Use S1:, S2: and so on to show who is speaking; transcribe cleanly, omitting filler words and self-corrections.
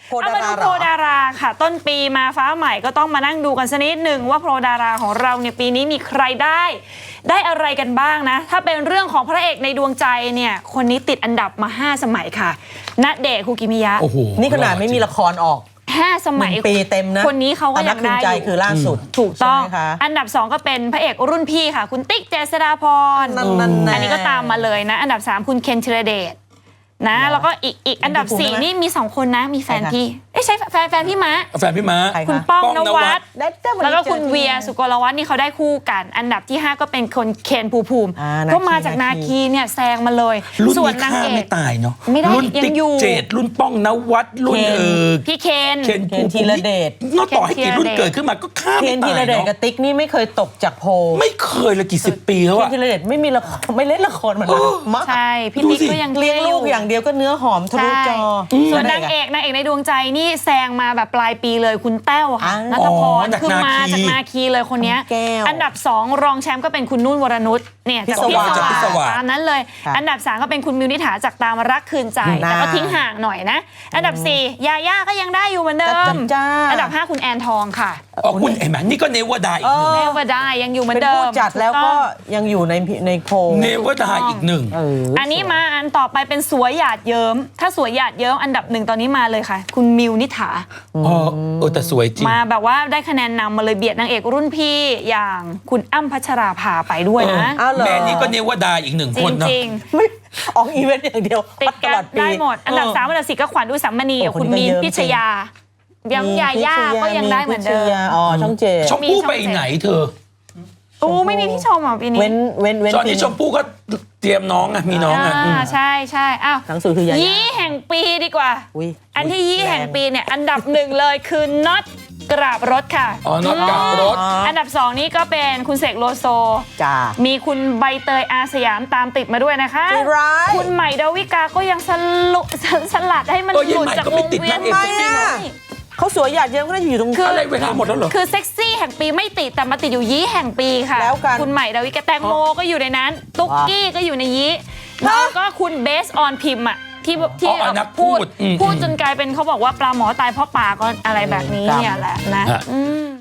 S1: เอามาดูโพลดาราค่ะ ต้นปีมาฟ้าใหม่ก็ต้องมานั่งดูกันสักนิดหนึ่งว่าโพลดาราของเราเนี่ยปีนี้มีใครได้อะไรกันบ้างนะถ้าเป็นเรื่องของพระเอกในดวงใจเนี่ยคนนี้ติดอันดับมา5 สมัยค่ะณเดชน์ คูกิมิยะ
S2: โอ้โหนี่ขนาดไม่มีละครออก
S1: 5 สมัย
S2: ปีเต็มนะ
S1: คนนี้เขาก็ยังได้อยู่
S2: คือล่าสุด
S1: ถูกต้องอันดับ2ก็เป็นพระเอกรุ่นพี่ค่ะคุณติ๊กเจษฎาพรอันนี้ก็ตามมาเลยนะอันดับ3คุณเคนธีรเดชนะแล้วก็อีกอันดับ4นี่มี2คนนะมีแฟนพี่ใช่แฟนพี่ม้าคุณป้องนวัดแล้วก็คุณเวียสุกลวัฒน์นี่เขาได้คู่กันอันดับที่5ก็เป็นคนเคนภูมิก็มาจากนาคีเนี่ยแซงมาเลย
S3: ส่วนนางเอก
S1: ไม่
S3: ตายเนาะ
S1: ไม่ได้
S3: รุ่น
S1: ยังอยู่
S3: เจดรุ่นป้องนวัดรุ่น
S1: พี่เคน
S2: ธีรเดช
S3: นอกต่อให้กี่รุ่นเกิดขึ้นมาก็ฆ่าไม่ตาย
S2: ธีรเดชกับติ๊กนี่ไม่เคยตกจากโพ
S3: ไม่เคยเลยกี่10 ปีแล้วอะ
S2: ธีรเดชไม่มีละครไม่เล่นละครมานานมาก
S1: ใช่พี่ติ๊กก็ยัง
S2: เลี้ยงลูกอย่างเดียวก็เนื้อหอมทะลุจอ
S1: ส่วนนางเอกในดวงใจนี่แซงมาแบบปลายปีเลยคุณแต้วค่ะณัฐพรคือมาจากนาคีเลยคนนี้อันดับ2รองแชมป์ก็เป็นคุณนุ่นวรนุชเนี่ยจากพิศวาตามนั้นเลยอันดับ3ก็เป็นคุณมิวนิษฐาจากตามรักคืนใจแต่ก็ทิ้งห่างหน่อยนะอันดับ4ยาย่าก็ยังได้อยู่เหมือนเดิมอันดับ5คุณแอนทองค่ะ
S3: คุณเห็นไหมนี่ก็เนวดาอีกหนึ่ง
S1: เนวดายังอยู่เหมือนเดิม
S2: เป็นผู้จัดแล้วก็ยังอยู่ในโพ
S3: เนวดาอีกหนึ่ง
S1: อันนี้มาอันต่อไปเป็นสวยหยาดเยิ้มถ้าสวยหยาดเยิ้มอันดับ1ตอนนี้มาเลยค่ะคุณมิวนิษฐา
S3: แต่สวยจริง
S1: มาแบบว่าได้คะแนนนำมาเลยเบียดนางเอกรุ่นพี่อย่างคุณอ้ำพัชราภาไปด้วยนะ
S3: แม่นี่ก็เนวดาอีก1 คนเนาะ
S1: จริง
S2: ไม่ออกอีเวนต์อย่างเดียว
S1: ติดกันได้หมดอันดับ3อันดับ4ก็ขวัญอุสามณีกับคุณมีนพิชยายังยาย่าก็ยังได้เหมือนเดิม
S2: ช่องเจ
S3: ชมพู่ไปไหนเธอ
S1: ไม่มีพี่ชมอ่ะปีนี้
S3: ตอนนี้ชมพู่ก็เตรียมน้องอ่ะมีน้องอ่ะ
S1: ใช่อ้าว
S2: หนังสือคือยา
S1: ยี่แห่งปีดีกว่าอันที่ยี่แห่งปีเนี่ยอันดับ1เลยคือน็อตกราบรถค่ะ
S3: น็อตกราบรถ
S1: อันดับ2นี่ก็เป็นคุณเสกโลโซมีคุณใบเตยอาสยามตามติดมาด้วยนะคะคุณใหม่ดาวิกาก็ยังสลัดให้มันหลุดจากวงเวียน
S2: เขาสวยหยาดเยิ้มก็น่าจะอยู่ตรง
S3: อะไรเวลาหมดแล้วเหรอ
S1: คือเซ็กซี่แห่งปีไม่ติดแต่มาติดอยู่ยี่แห่งปีค่ะ
S2: แล้วกัน
S1: คุณใหม่ดาวิกาแตงโมก็อยู่ในนั้นตุ๊กกี้ก็อยู่ในยี่แล้วก็คุณเบสออนพิมพ์อ่ะที่พูดจนกลายเป็นเขาบอกว่าปลาหมอตายเพราะปลาก็อะไรแบบนี้เนี่ยแหละนะ